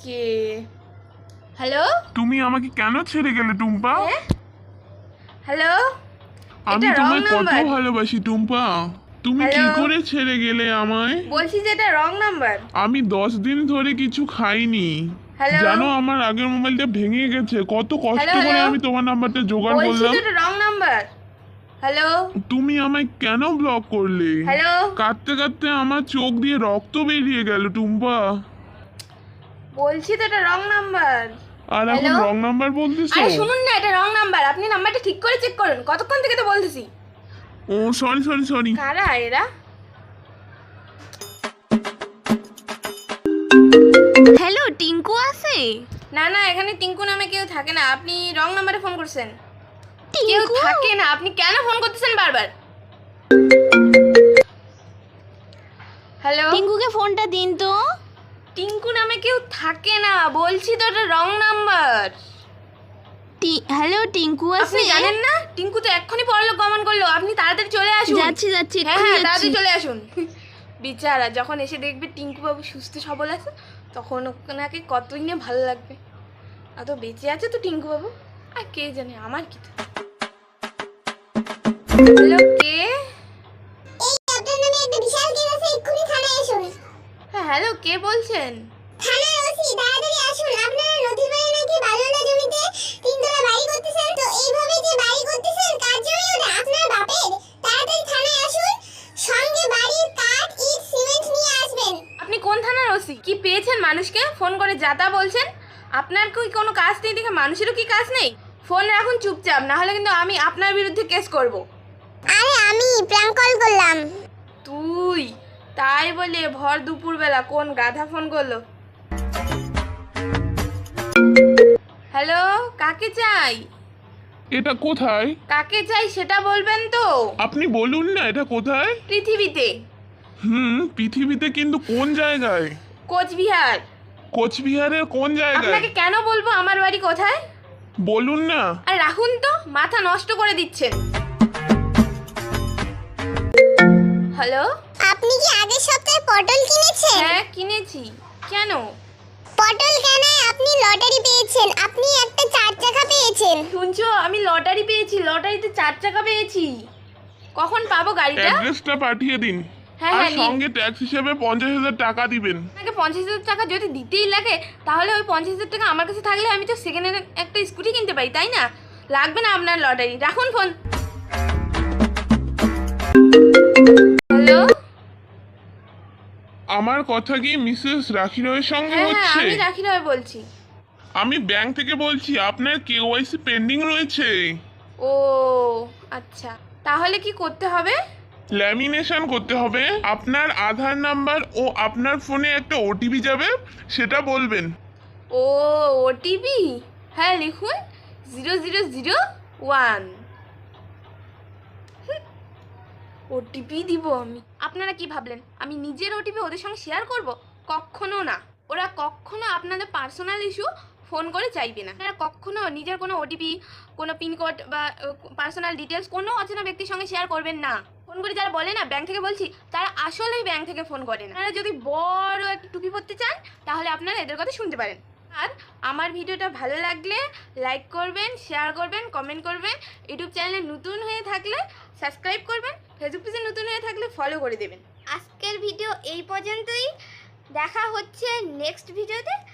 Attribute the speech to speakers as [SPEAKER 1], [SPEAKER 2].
[SPEAKER 1] কে? Hello,
[SPEAKER 2] তুমি আমাকে কেন ছেড়ে গেলে টুম্পা?
[SPEAKER 1] হ্যালো,
[SPEAKER 2] আমি
[SPEAKER 1] এটা রং
[SPEAKER 2] তোমায় কত
[SPEAKER 1] নাম্বার।
[SPEAKER 2] ভালোবাসি টুম্পা। তুমি কি
[SPEAKER 1] হ্যালো?
[SPEAKER 2] করে ছেড়ে গেলে আমায়?
[SPEAKER 1] বলছি যে এটা রং নাম্বার।
[SPEAKER 2] আমি 10 দিন ধরে কিছু খাইনি।
[SPEAKER 1] হ্যালো?
[SPEAKER 2] জানো আমার আগের মোবাইলটা ভেঙে গেছে, কত কষ্ট
[SPEAKER 1] হ্যালো,
[SPEAKER 2] করে
[SPEAKER 1] হ্যালো?
[SPEAKER 2] আমি তোমার নাম্বারটা জোগাড়
[SPEAKER 1] বলছি
[SPEAKER 2] করলাম।
[SPEAKER 1] তো এটা রং নাম্বার। হ্যালো,
[SPEAKER 2] তুমি আমায় কেন ব্লক করলে?
[SPEAKER 1] হ্যালো?
[SPEAKER 2] কাঁদতে কাঁদতে আমার চোখ দিয়ে রক্ত বেরিয়ে গেল টুম্পা।
[SPEAKER 1] বলছি তো এটা রং নাম্বার।
[SPEAKER 2] আর এখন
[SPEAKER 1] হ্যালো?
[SPEAKER 2] রং নাম্বার বলতেছো?
[SPEAKER 1] আরে শুনুন না, এটা রং নাম্বার। আপনি নাম্বারটা ঠিক করে চেক করুন। কতক্ষণ থেকে তো বলতেছি।
[SPEAKER 2] ও সরি সরি সরি।
[SPEAKER 1] কারা এরা?
[SPEAKER 3] হ্যালো, টিঙ্কু আছে?
[SPEAKER 1] না না, এখানে টিঙ্কু নামে কেউ থাকে না। আপনি রং নাম্বারে ফোন করছেন। কেউ
[SPEAKER 3] টিঙ্কু?
[SPEAKER 1] থাকে না। আপনি কেন ফোন করতেছেন বারবার? হ্যালো?
[SPEAKER 3] টিঙ্কুকে ফোনটা দিন তো।
[SPEAKER 1] টিঙ্কু নামে কেউ থাকে না। বলছি তো এটা রং নাম্বার।
[SPEAKER 3] হ্যালো, টিঙ্কু আছে?
[SPEAKER 1] আপনি জানেন না? টিঙ্কু তো এক্ষুনি পরলোক গমন করলো। আপনি তাড়াতাড়ি চলে আসুন।
[SPEAKER 3] যাচ্ছি যাচ্ছি,
[SPEAKER 1] হ্যাঁ
[SPEAKER 3] এক্ষুনি
[SPEAKER 1] হ্যাঁ,
[SPEAKER 3] যাচ্ছি।
[SPEAKER 1] তাড়াতাড়ি চলে আসুন। বিচারা যখন এসে দেখবে টিঙ্কু বাবু সুস্থ সবল আছে, তখন ওনাকে কতই না ভালো লাগবে। এত বেঁচে আছে তো টিঙ্কু বাবু। আর কে জানে, আমার কি তো। হ্যালো, কে?
[SPEAKER 4] এই আপনার নামে একটা বিশাল কেস আছে, এক্ষুনি থানায় আসুন।
[SPEAKER 1] হ্যাঁ হ্যালো, কে বলছেন?
[SPEAKER 4] থানার ওসি, তাড়াতাড়ি আসুন। আপনারা নদীর পাড়ে নাকি বালুলা জমিতে 3 তলা বাড়ি করতেছেন, তো এইভাবে যে বাড়ি করতেছেন কার জমি ওটা? আপনার বাপের। তাড়াতাড়ি থানায় আসুন, সঙ্গে বাড়ির কাঠ, ইট, সিমেন্ট নিয়ে আসবেন।
[SPEAKER 1] আপনি কোন থানার ওসি? কি পেয়েছেন মানুষকে ফোন করে যাতা বলছেন? আপনার কি কোনো কাজ নেই দেখে মানুষেরও কি কাজ নেই? ফোন রাখুন চুপচাপ, না হলে কিন্তু আমি আপনার বিরুদ্ধে কেস করব।
[SPEAKER 4] আরে আমি প্র্যাঙ্ক কল করলাম।
[SPEAKER 1] তুই? তাই বলে ভর দুপুরবেলা কোন গাধা ফোন করলো? হ্যালো, কাকে চাই?
[SPEAKER 2] এটা কোথায়?
[SPEAKER 1] কাকে চাই সেটা বলবেন তো।
[SPEAKER 2] আপনি বলুন না এটা কোথায়?
[SPEAKER 1] পৃথিবীতে।
[SPEAKER 2] পৃথিবীতে কিন্তু কোন জায়গায়?
[SPEAKER 1] কোচবিহার।
[SPEAKER 2] কোচবিহারের কোন জায়গায়?
[SPEAKER 1] আপনাকে কেন বলবো আমার বাড়ি কোথায়?
[SPEAKER 2] বলুন না।
[SPEAKER 1] আর রাখুন তো, মাথা নষ্ট করে দিচ্ছেন। হ্যালো?
[SPEAKER 4] আপনি কি আগের সপ্তাহে পটল কিনেছেন?
[SPEAKER 1] হ্যাঁ কিনেছি। কেন?
[SPEAKER 4] পটল কেনায় আপনি লটারি পেয়েছেন, আপনি একটা 4 চাকা পেয়েছেন।
[SPEAKER 1] শুনছো, আমি লটারি পেয়েছি। লটারিতে 4 চাকা পেয়েছি। কখন পাবো গাড়িটা?
[SPEAKER 2] অ্যাড্রেসটা পাঠিয়ে দিন।
[SPEAKER 1] হ্যাঁ,
[SPEAKER 2] আর
[SPEAKER 1] হ্যাঁ, নিন।
[SPEAKER 2] সঙ্গে ট্যাক্স হিসেবে 50,000 টাকা দিবেন।
[SPEAKER 1] আপনাকে 50,000 টাকা যদি দিতেই লাগে, তাহলে ওই 50,000 টাকা আমার কাছে থাকলে আমি তো সেকেন্ড হ্যান্ড একটা স্কুটি কিনতে পারি, তাই না? লাগবে না আপনার লটারি। রাখুন ফোন। হ্যালো?
[SPEAKER 2] আমার কথা কি মিসেস রাখি রয়ের সঙ্গে
[SPEAKER 1] হ্যাঁ হ্যাঁ,
[SPEAKER 2] হচ্ছে?
[SPEAKER 1] আমি রাখি রয় বলছি।
[SPEAKER 2] আমি ব্যাংক থেকে বলছি, আপনার কেওয়াইসি পেন্ডিং রয়েছে।
[SPEAKER 1] ও আচ্ছা, তাহলে কি করতে হবে?
[SPEAKER 2] ল্যামিনেশন করতে হবে। আপনার আধার নাম্বার ও আপনার ফোনে একটা ওটিপি যাবে, সেটা বলবেন।
[SPEAKER 1] ও ওটিপি? হ্যাঁ লিখুন, 0001। ওটিপি দিব আমি? আপনারা কি ভাবলেন আমি নিজের ওটিপি ওদের সঙ্গে শেয়ার করব? কখনো না। ওরা কখনো আপনাদের পার্সোনাল ইস্যু ফোন করে চাইবে না। আপনারা কখনো নিজের কোনো ওটিপি, কোনো পিনকোড বা পার্সোনাল ডিটেলস কোনো অচেনা ব্যক্তির সঙ্গে শেয়ার করবেন না। ফোন করে যারা বলে না ব্যাংক থেকে বলছি, তারা আসলেই ব্যাংক থেকে ফোন করে না। আপনারা যদি বড় একটা টুপি পরতে চান, তাহলে আপনারা এদের কথা শুনতে পারেন। আর আমার ভিডিওটা ভালো লাগলে লাইক করবেন, শেয়ার করবেন, কমেন্ট করবেন। ইউটিউব চ্যানেলে নতুন হয়ে থাকলে সাবস্ক্রাইব করবেন, ফেসবুক পেজে নতুন হয়ে থাকলে ফলো করে দেবেন।
[SPEAKER 4] আজকের ভিডিও এই পর্যন্তই, দেখা হচ্ছে নেক্সট ভিডিওতে।